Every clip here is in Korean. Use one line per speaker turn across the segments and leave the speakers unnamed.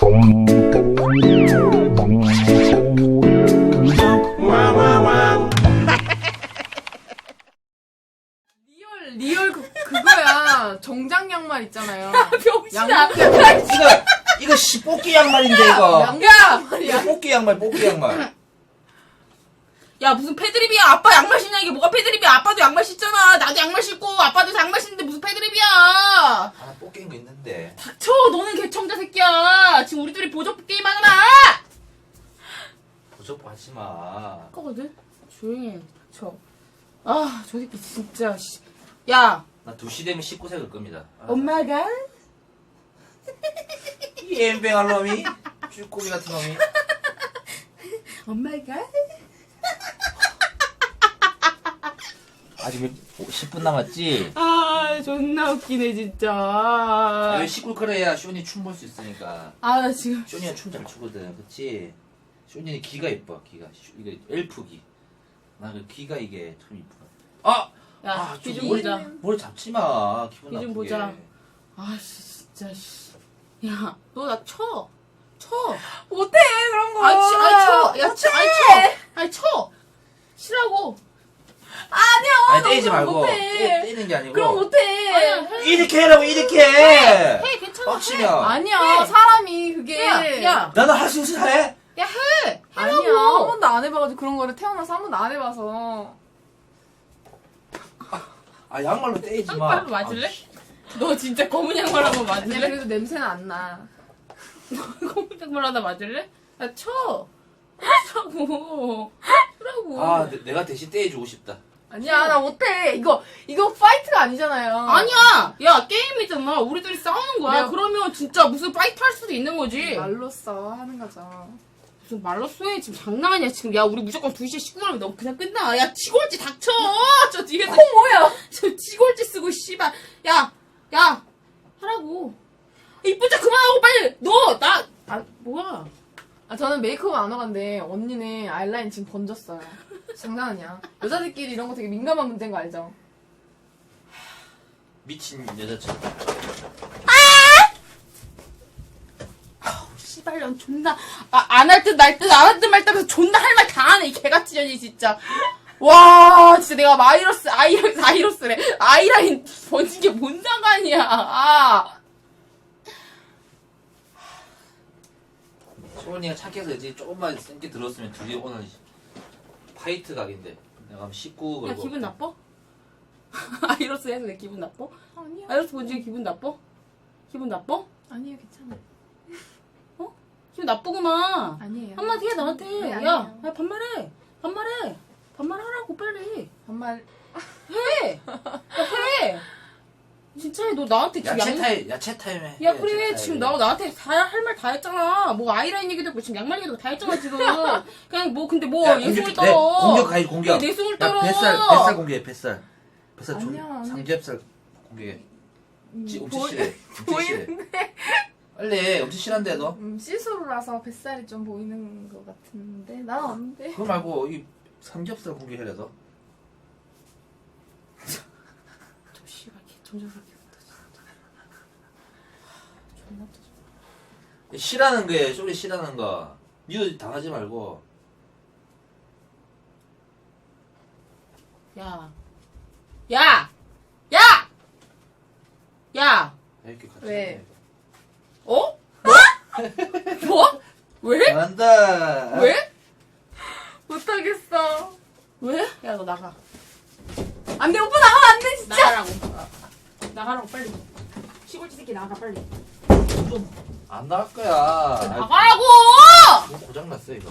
리얼 그거야. 정장 양말 있잖아요.
병신아.
이거 뽑기 양말인데 이거.
양말이야.
뽑기 양말.
야 무슨 패드립이야. 아빠 양말 신냐. 이게 뭐가 패드립이야. 아빠도 양말 신잖아. 나도 양말 신고 아빠도 양말 신는데 무슨 패드립이야.
하나 뽑기인 거 있는데.
닥쳐. 너는 개청자 새끼야. 지금 우리 둘이 보조 게임 하느라.
보조뽀 하지 마.
거거든. 조용히 해. 닥쳐. 아 저 새끼 진짜. 야.
나 2시 되면 19세 갈 겁니다.
엄마가?
이 엠뱅할 놈이? 쭈꾸미 같은 놈이?
엄마가?
아직 10분 남았지?
아 존나 웃기네 진짜.
왜 시끌거려야 쇼니 춤 볼 수 있으니까.
아 나 지금.
쇼니가 춤 잘 추거든, 그치? 쇼니는 귀가 이뻐, 귀가. 이거 엘프 귀. 나 그 귀가 이게 참 이쁘다. 아!
야, 귀 좀
머리,
보자.
머리 잡지 마. 기분
귀 좀
나쁘게.
보자. 아, 진짜, 씨. 야, 너 나 쳐. 쳐.
못해 그런 거.
아니, 쳐. 야, 쳐. 아니, 쳐. 아니, 쳐. 치라고.
아니야.
아니, 떼지 말고.
못해.
떼는 게 아니고.
그럼 못해.
아니야, 해.
이렇게 해라고, 이렇게 해!
해, 괜찮아.
빡치면.
아니야.
해.
사람이 그게.
야.
나는 할 수 있어, 해!
야, 해.
아니야.
하라고.
한 번도 안 해봐가지고 그런 거를 태어나서 한 번도 안 해봐서.
아, 양말로 떼지 마.
양말로 맞을래? 너 진짜 검은 양말하고
아니야.
맞을래?
그래도 냄새는 안 나.
검은 양말하다 맞을래? 야, 쳐. 치라고. 치라고.
아, 내가 대신 떼해주고 싶다.
아니야. 나 못해. 이거 파이트가 아니잖아요.
아니야! 야, 게임이잖아. 우리들이 싸우는 거야.
내가-
그러면 진짜 무슨 파이트 할 수도 있는 거지.
말로써 하는 거죠.
무슨 말로 쏘해. 지금 장난 아니야. 지금, 야, 우리 무조건 2시에 19분하면 너 그냥 끝나. 야, 치골지 닥쳐! 저 뒤에서.
뭐야?
저 치골지 쓰고, 씨발. 야, 하라고. 이쁜 척 그만하고 빨리! 뭐야.
아, 저는 메이크업 안 와간데 언니는 아이라인 지금 번졌어요. 장난 아니야. 여자들끼리 이런 거 되게 민감한 문제인 거 알죠?
미친 여자처럼.
씨발년 존나. 안 할 듯 날 듯, 안 할 듯 말 듯 하면서 존나 할 말 다 하네. 이 개같이 년이 진짜. 와, 진짜 내가 아이러스래. 아이라인 번진 게 뭔 상관이야. 아.
소원이가 착해서 이제 조금만 센게 들었으면 둘이 오늘 파이트 각인데. 내가 하면 19 걸고.
야, 기분 나빠? 아이러스 해서 내 기분 나빠?
아니요.
아이러스 본지에 기분 나빠? 기분 나빠?
아니에요, 괜찮아.
기분 나쁘구만.
아니에요.
한마디 해, 나한테.
네,
야,
아니에요.
야, 반말해. 반말하라고, 빨리.
정말
해! 야, 해! 진짜 해. 너 나한테 지금
야채 타임 해.
야, 그래. 지금 너 나한테 할 말 다 했잖아. 뭐, 아이라인 얘기도 했고, 지금 양말 얘기도 다 했잖아, 지금. 그냥 뭐, 근데 뭐,
야,
예술을
공격,
떨어.
공격 가야지, 공격.
내 숨을
야,
떨어.
뱃살 공개해, 뱃살. 뱃살
아니야, 아니.
삼겹살 공개해. 엄청
보이-
싫어. 엄청 싫어. 빨리, 엄청 싫은데, 너?
시스루라서 뱃살이 좀 보이는 것 같은데 난 없는데.
그거 말고, 이 삼겹살 공개해라, 너.
저 씨발, 개천장 새끼. 존나 또.
싫어하는 거에, 소리 싫어하는 거. 니도 당하지 말고.
야.
이렇게 같이.
왜?
해.
어? 뭐? 왜?
잘한다.
왜?
못하겠어.
왜? 야, 너 나가.
안돼 오빠 나가면 안돼 진짜.
나가라고. 나가라고, 빨리. 시골지 새끼 나가, 빨리.
안 나갈 거야. 아,
나가라고!
고장났어, 이거.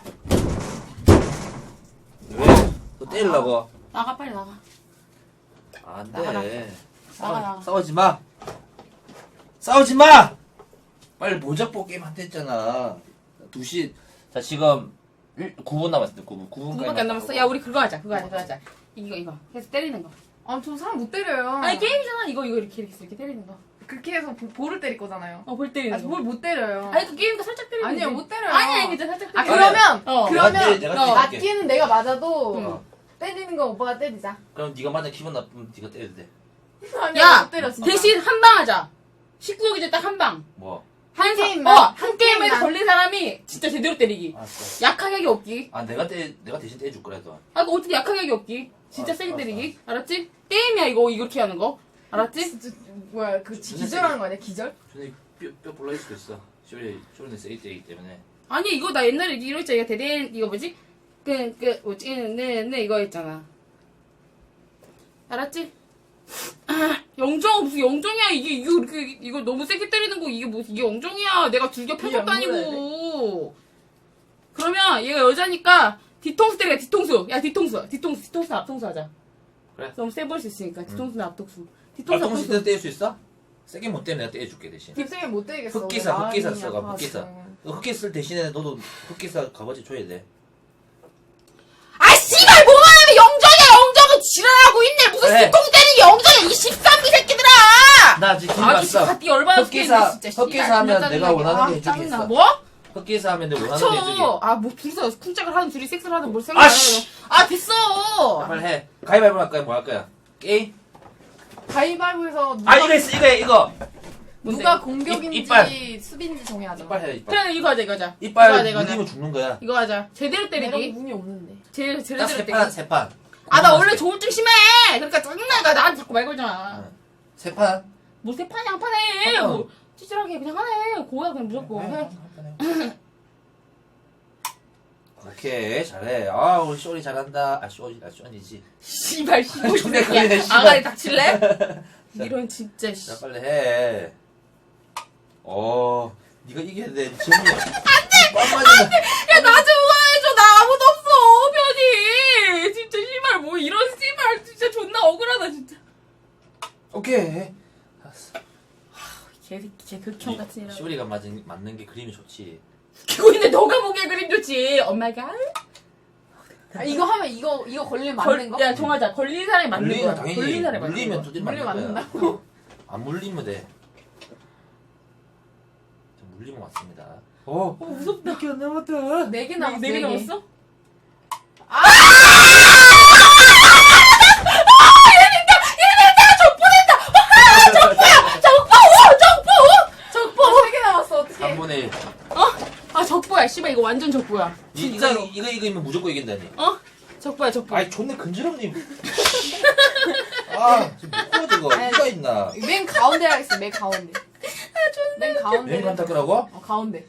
왜? 너 때리려고?
나가, 빨리 나가.
안
나가라.
돼.
나가.
싸우지 마. 싸우지 마. 빨리 모자뽀 게임 한테 했잖아. 2시. 자, 지금 9분 남았어. 9분.
9분밖에 안 남았어? 야, 우리 그거 하자. 이거. 해서 때리는 거.
아, 저 사람 못 때려요.
아니, 게임이잖아. 이거 이렇게 때리는 거.
그렇게 해서 볼을 때릴 거잖아요.
볼 때리는
아,
거.
볼 못 때려요.
아니, 그 게임도 살짝 때리는
아니요,
거지.
못 때려요.
아니, 그냥 살짝
아,
때리는
그러면
어.
그러면
내가 때릴게.
맞기는 내가 맞아도
응.
때리는 거 오빠가 때리자.
그럼 네가 만약 기분 나쁘면 네가 때려도 돼.
아니야,
야,
못 때려 진짜.
대신 한 방 하자. 19억 이제 딱 한 방.
뭐?
한 게임만?
한 게임 제대로 때리기.
알았어.
약하게 하기 없기.
아 내가 대신 떼줄 거라도.
아, 너 어떻게 약하게 하기 없기. 진짜
알았어,
세게
알았어,
때리기. 알았지? 게임이야, 이거 이렇게 하는 거. 알았지?
진짜 뭐야 그 기절하는 거 아니야 기절?
전에 뼈 볼라질 수도 있어. 쇼리는 세게 때리기 때문에.
아니, 이거 나 옛날에 이거 있잖아. 이거 이거 뭐지? 네, 이거 했잖아. 알았지? 영정, 무슨 영정이야. 이거 너무 세게 때리는 거, 이게 무슨, 이게 영정이야. 내가 줄겨 펴서
안
다니고. 그러면 얘가 여자니까 뒤통수 때려, 뒤통수. 야, 뒤통수, 앞통수 하자.
그래.
너무 세 보일 수 있으니까. 뒤통수나 앞통수.
앞통수 때 떼줄 수 있어? 세게 못 떼면 내가 떼줄게 대신.
딥생이 못 되겠어.
흑기사 써가 흑기사. 흑기 쓸 대신에 너도 흑기사 값어치 줘야 돼.
아, 씨발, 뭐만 하면 영정은 지랄하고 있네. 무슨
그래.
뒤통수 때리는 영정이야, 이 13기 새끼들아!
나 지금
아주
봤어.
갓디 열받아
흑기사
죽겠네, 진짜.
흑기사
씨발,
하면
존나
내가
짜증나게.
원하는 게
아,
해주겠어.
짜증나. 뭐?
흑기사 하면 내가 원하는 게 해주게.
그쵸. 아, 뭐, 둘이서 쿵짝을 하든 둘이 섹스를 하든 뭘 생각 안
아씨!
하는 아, 됐어!
빨리 해. 가위바위보 할 거야 뭐 할 거야? 게임?
가위바위보에서
아 이거 있어 이거.
누가
뭔데?
공격인지
이빨.
수비인지 정해야죠.
이빨 해 이빨.
그래, 이거 하자, 이거 하자.
이빨
이거 하자.
물리면 죽는 거야.
이거 하자. 제대로
내가
때리기.
운이 없는데.
제대로
딱
때리기.
세 판.
아, 나 원래 조울증 심해! 그러니까 짜증나니까 나한테 자꾸 말 걸잖아.
세 판.
뭐, 세 판이 한 판에.
한 판.
뭐, 찌질하게 그냥 하네. 고야, 그냥 무조건. 해.
오케이 잘해. 아 우리 쇼리 잘한다. 쇼니지.
씨발, 씨발.
존나 걸리네, 씨발.
아가리 닥칠래? 이런, 진짜, 씨.
자 빨리 해. 네가 이겨야 돼. 재미야. 안돼.
야, 나 좀 응원해줘. 나 아무도 없어, 편이. 진짜, 씨발, 뭐, 이런 씨발, 진짜 존나 억울하다, 진짜.
오케이. 알았어.
개새끼, 개 극혐 같은 이라.
쇼리가 맞는 게 그림이 좋지.
그거 있는데 너가 보기에 그림 좋지. 엄마가.
아, 이거 하면 이거 걸리면 맞는 거?
야, 정하자. 걸린 사람이 맞는
물리면
거야.
당연히
걸린 사람이 맞는
물리면
거야.
두들
물리면
맞는 거야.
맞는다고?
안 물리면 돼. 저 물리면 맞습니다.
무섭다.
몇개 안 남았다.
4개 남았어.
4개 남았어?
적보 3개 남았어. 어떡해.
3분의 1.
아, 적보야. 씨발, 이거 완전 적보야. 진짜로.
이거 이기면 무조건 이긴다니.
어? 적보야, 적보.
아이 존나 근지럽니. 지금 못 보여 이거. 누가 있나.
맨 가운데 하겠어. 맨 가운데. 맨 가운데.
맹간 닦으라고?
가운데.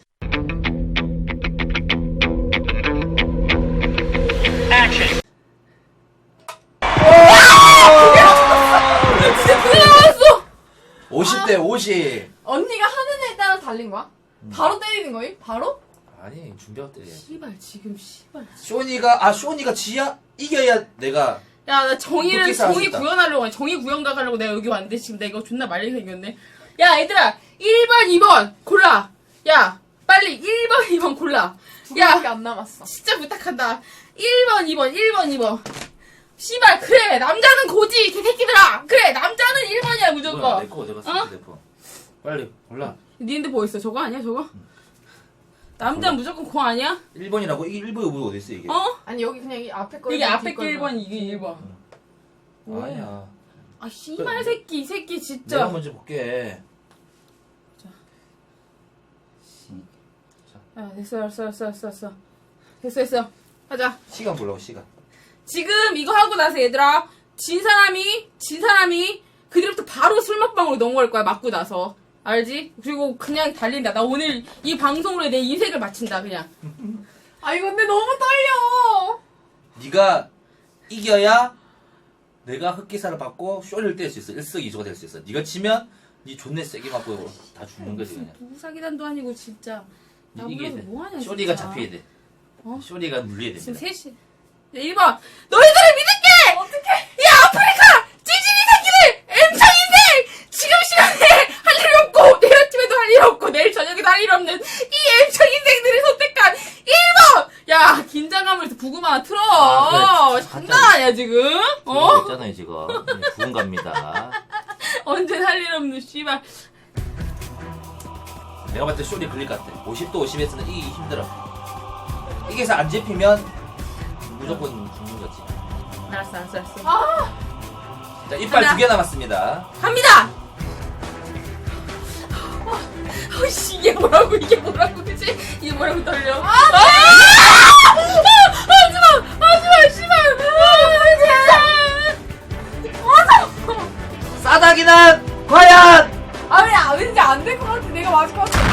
그게 나왔어!
50대 50.
언니가 하는 애에 따라 달린 거야? 바로 때리는 거임? 바로?
아니 준비하고 때려야지.
씨발, 지금 씨발.
쇼니가 지야 이겨야 내가.
야, 나 정의
흑기사 하겠다.
구현하려고, 정의 구현각 하려고 내가 여기 왔는데, 지금 내가 이거 존나 말리 생겼네. 야, 얘들아, 1번, 2번, 골라. 야, 빨리 1번, 2번 골라.
두 개밖에
야,
안 남았어.
진짜 부탁한다. 1번, 2번, 1번, 2번. 씨발, 그래, 남자는 고지, 개새끼들아. 그래, 남자는 1번이야,
뭐야,
무조건.
내 거, 내가
어?
쓸게, 내 거. 빨리 골라.
니 핸드 뭐 있어? 저거 아니야, 저거? 남자는 무조건 고 아니야?
1번이라고? 이게 1번이 뭐 어디 있어 이게?
어?
아니 여기 그냥 이 앞에 거.
이게 앞에 게 1번, 이게 1번.
아니야.
아, 씨발 새끼, 이 새끼,
내가
진짜.
먼저 볼게.
야, 됐어. 됐어. 하자.
시간 보려고 시간.
지금 이거 하고 나서 얘들아, 진 사람이 그 뒤부터 바로 술 먹방으로 넘어갈 거야, 맞고 나서. 알지? 그리고 그냥 달린다. 나 오늘 이 방송으로 내 인생을 마친다, 그냥.
아니 근데 너무 떨려.
네가 이겨야 내가 흑기사를 받고 쇼를 뗄 수 있어. 일석이조가 될 수 있어. 네가 지면 네 존내 세게 맞고 다 죽는 거지 그냥.
누구 사기단도 아니고, 진짜. 나
이겨야
몰라서
돼.
뭐하냐,
쇼리가
진짜.
잡혀야 돼.
어?
쇼리가 물려야
지금
됩니다.
3시. 야, 1번. 너희들을 믿을게! 어떡해! 야, 아프리카! 찌질이 새끼들! M창 인생! 지금 시간에 할 일이 없고, 내일 아침에도 할 일 없고, 내일 저녁에도 할 일 없는 이 M창 인생들이 선택한 1번! 야, 긴장감을 해서 부금 하나 틀어!
그래.
장난 아니야, 지금? 어?
있잖아요 지금. 부은 갑니다.
언제 할 일 없는 씨발.
내가 봤을 때 쇼리 걸릴 것 같아. 50도 50에서는 이기기 힘들어. 이게서 안 잡히면 무조건 죽는 거지.
알았어.
자, 이빨
하나.
2개 남았습니다.
갑니다! 어씨 이게 뭐라고 그지? 이게 뭐라고 떨려? 하지마 씨발.
싸다기는 과연
왠지 안 될 것 같아. 내가 맞을 것 같아.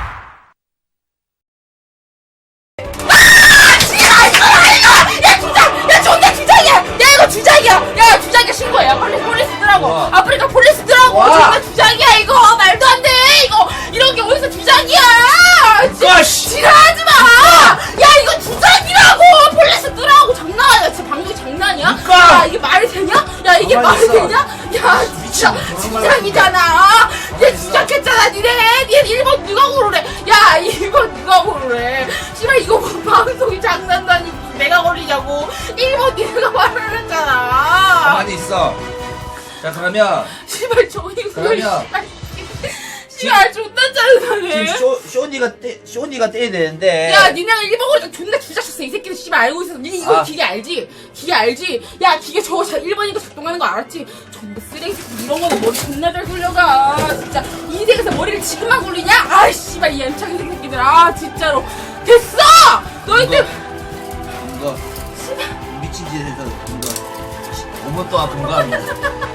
야 존나 주작이야. 야 이거 주작이야. 야 주작이야 신고해. 빨리 폴리스 뜨라고.
와.
아프리카 폴리스 뜨라고.
와.
존나 주작이야 이거. 말도 안 돼. 이거 이런 게 어디서 주작이야?
와씨
지랄하지 마. 야 이거 주작이라고. 폴리스 뜨라고. 장난 아니야. 진짜 방송이 장난이야?
누가?
야 이게 말이 되냐? 야 이게
가만히
말이
있어.
되냐? 야 진짜 주작이잖아. 얘 주작했잖아. 니네 일본 누가 고르래? 야 일본 누가 고르래? 씨발 이거 뭐 방송이 장난도 아니고 무슨 내가 걸리냐고. 일본 니네가 말을 했잖아.
가만히 있어. 자 그러면
씨발 저기
그러면
씨발 존나 짜증나네.
지금 쇼니가 떼야 되는데.
야, 니네가 일본 거니까 존나 주작쳤어. 이 새끼들 씨발 알고 있어. 니네 이거 기계 알지? 기계 알지? 야, 기계 저거 일본이니까 작동하는 거 알았지? 전부 쓰레기 새끼 이런 거는 머리 존나 잘 굴려가. 진짜 인생에서 머리를 지금만 굴리냐? 아, 씨발 이 연창 새끼들. 아, 진짜로. 됐어! 너희들.
이거 미친 짓에서 이거 5분 동안 공부하는 거.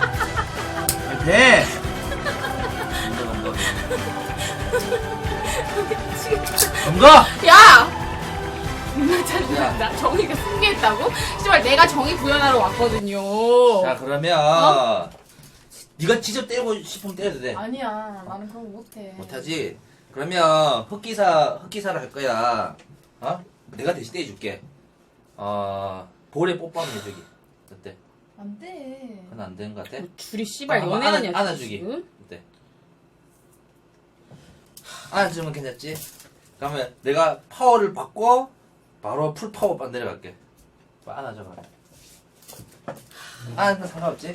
돼. 검거!
야! 존나 짜증난다. 정의가 승리했다고? 씨발 내가 정의 구현하러 왔거든요.
자 그러면 네가 직접 때리고 싶으면 때려도 돼.
아니야. 나는 그런 거 못해.
못하지? 그러면 흑기사를 할 거야. 어? 내가 대신 떼줄게. 볼에 뽀뽀하면 돼, 저기. 어때?
안 돼.
그건 안 되는 것 같아?
둘이 씨발
한번
연애하냐?
안아주기.
지금?
어때? 안아주면 괜찮지? 그러면 내가 파워를 받고 바로 풀 파워 반 내려갈게. 안아줘 봐. 안아주면 상관없지?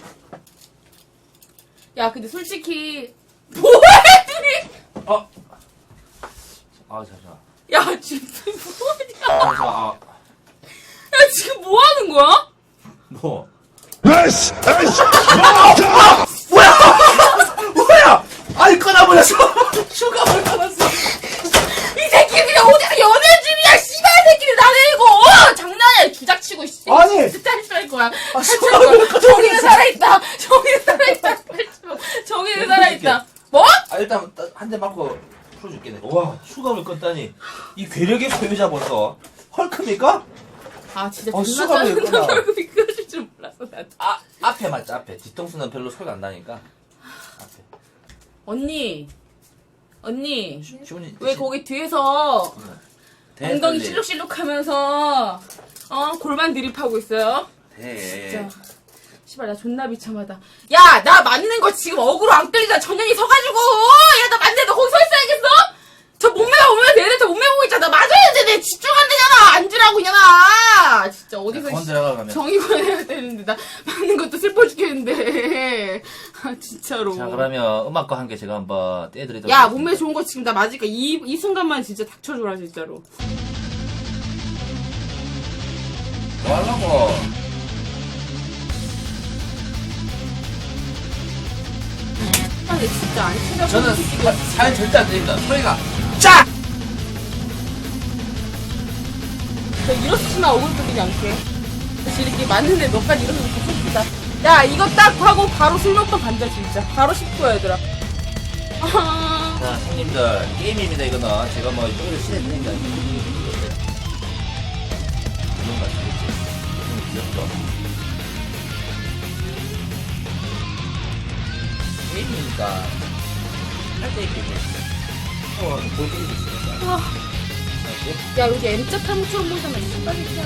야 근데 솔직히 뭐해 둘이?
잠시만.
야 지금 뭐하냐?
잠시만.
야 지금 뭐 하는 거야?
뭐?
에이씨! 에이씨!
뭐야! 아니 끊어버렸어! 슈가를 끊었어!
이 새끼들 그냥 어디서 연애 중이야 씨발 새끼들 나네 이거 장난이야 주작치고 씨.
아니!
진짜 탈출할 거야.
슈가를
정의는 살아있다. 정의는 살아있다. 정의는 살아있다. 뭐?
일단 한 대 맞고 풀어줄게. 내가. 와 슈가를 끊다니 이 괴력의 소유자 벌써 헐크입니까?
아 진짜
어,
존나
수갑을
짜증나.
끊어.
얼굴 미끄러질 줄 몰랐어 나.
앞에 맞지 앞에 뒤통수는 별로 소리가 안 나니까 앞에
언니
시원이
왜 거기 뒤에서
대,
엉덩이
빨리.
실룩실룩하면서 골반 드립하고 있어요?
대.
진짜 씨발 나 존나 비참하다. 야 나 맞는 거 지금 어그로 안 끌리잖아. 전현이 서가지고 야 나 맞는데 너 거기 서 있어야겠어? 저 몸매가 보면 내내 저 몸매 보고 있잖아. 나 맞아야지. 내 집중 안 되잖아. 앉으라고 이년아. 진짜 어디서
건 들어가면
정의만 해야 되는데 나 맞는 것도 슬퍼 죽겠는데. 아 진짜로.
자 그러면 음악과 함께 제가 한번 떼드리도록
야
하겠습니다.
몸매 좋은 거 지금 나 맞으니까 이 순간만 진짜 닥쳐줘라 진짜로.
뭐 하려고
아 근데 진짜 안 챙겨.
저는 사연 절대 안 드립니다 소리가 짜!
저 일어서지마 얼굴 끌리지 않게. 다시 이렇게 맞는데 너까지 일어서서 슬프다. 야 이거 딱 하고 바로 술 먹방 간다 진짜. 바로 10분 얘들아. 아,
자 형님들 게임입니다 이거는 제가 뭐 이거를 실행하는 게 아니고 이런 거 아시겠지? 귀엽죠? 게임이니까 할때 게임이었어 볼 게임이 있으니까
아. 야 여기 M자 타면 처음 보잖아. 이 빨리 튀어.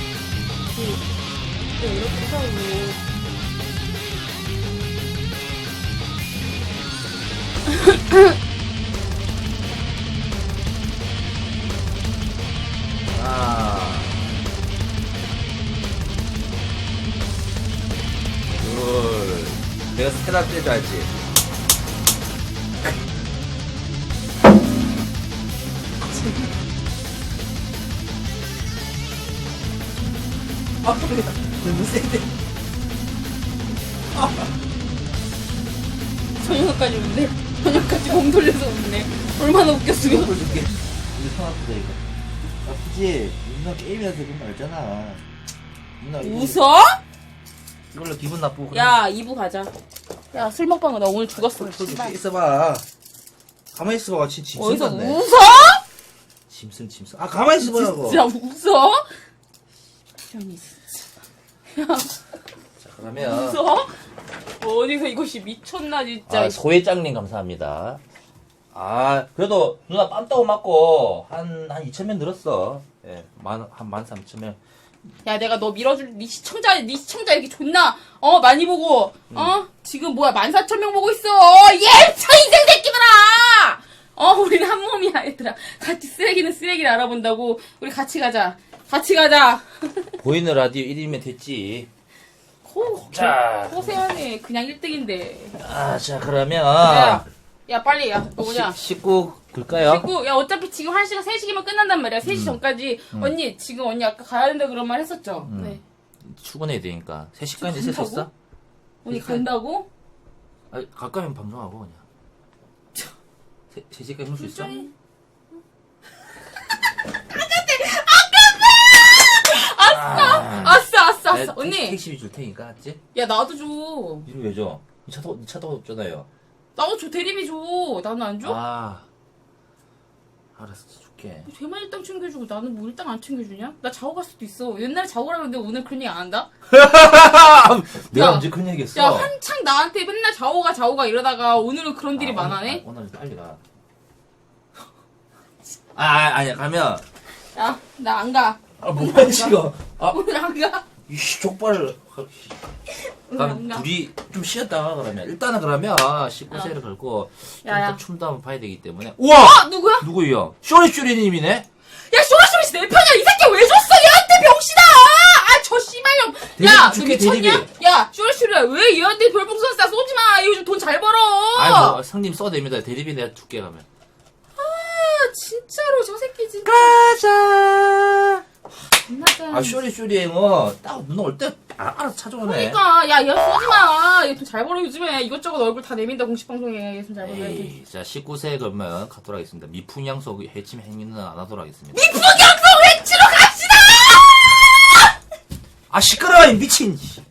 이렇게 하고.
둘 내가 스테라 떼줘야지 소리가 너무 센데
정현까지 오는데. 저녁까지 공 돌려서 웃네. 얼마나 웃겼으면.
이거 줄게. 이거 손 아프다 이거. 아프지? 누나 게임이라서 그런 거 알잖아. 누나 이거
웃어?
이걸로 기분 나쁘고. 그래.
야, 2부 가자. 야, 술 먹방은 나 오늘 죽었어.
술 줄게.
씨발.
있어봐. 가만히 있어봐. 짐승
어디서
같네.
웃어?
짐승. 아 가만히 있어보라고.
진짜 웃어? 형이 진짜. 야,
자 그러면.
웃어? 어디서 이것이 미쳤나 진짜.
아, 소회장님 감사합니다. 아, 그래도 누나 빰따고 맞고 한 2,000명 늘었어. 예, 한 13,000명.
야, 내가 너 밀어줄 네 시청자 이렇게 존나 많이 보고 지금 뭐야 14,000명 보고 있어. 예, 저 인생 새끼들아. 우리는 한 몸이야 얘들아. 같이 쓰레기는 쓰레기를 알아본다고. 우리 같이 가자. 같이 가자.
보이는 라디오 1위면 됐지.
자, 호세환이 그냥 1등인데.
아, 자 그러면
야, 빨리 야, 너 뭐냐?
19 글까요?
야, 어차피 지금 1시간 3시기면 끝난단 말이야. 3시 전까지. 언니, 지금 언니 아까 가야 된다 그런 말 했었죠? 네.
출근해야 되니까 3시까지 있을 수 있어?
간다고? 언니 간다고?
아, 가까이면 방송하고 그냥. 3시까지 올 수 있어?
아싸. 언니.
택시비 줄 테니까, 알았지?
야, 나도 줘.
이거 왜 줘? 니 차도 없잖아요.
나도 줘. 대리비 줘. 나는 안 줘?
아, 알았어, 줄게.
쟤만 일당 챙겨주고 나는 뭐 일당 안 챙겨주냐? 나 자고 갈 수도 있어. 옛날에 자고 가라는데 오늘 그런 얘기 안 한다?
내가
야,
언제 그런 얘기 했어?
야, 한창 나한테 맨날 자고 가 이러다가 오늘은 그런 일이 많아네?
오늘 빨리 가. 아니야, 가면.
야, 나 안 가.
뭐야, 지금.
오늘 안 가.
이씨, 족발을.
오늘 안
그럼
가.
둘이 좀 쉬었다가 그러면. 일단은 그러면 19세를 걸고. 좀
야.
더 춤도 한번 봐야 되기 때문에. 우와!
누구야?
누구요? 쇼리쇼리님이네?
야, 쇼라쇼리씨 내 편이야. 이 새끼 왜 줬어? 얘한테 병신아! 저 씨발년. 야, 너
줄게,
미쳤냐?
대리비.
야, 쇼라쇼리야. 왜 얘한테 별풍선 쏴? 쏘지 마. 얘 요즘 돈 잘 벌어.
아이고, 성님 써됩니다. 대리비 내가 줄게 가면.
아, 진짜로 저 새끼 진짜.
가자!
존나짠.
아, 쇼리쇼리행은 딱 누나 올 때 알아서 찾아오네.
그러니까 야, 얘 쏘지 마. 얘 돈 잘 벌어 요즘에. 이것저것 얼굴 다 내민다 공식 방송에. 얘 돈 잘 벌어.
에이, 자, 19세 그러면 가도록 하겠습니다. 미풍양속 해침 행위는 안 하도록 하겠습니다.
미풍양성 외치러 갑시다!
아, 시끄러워, 이 미친!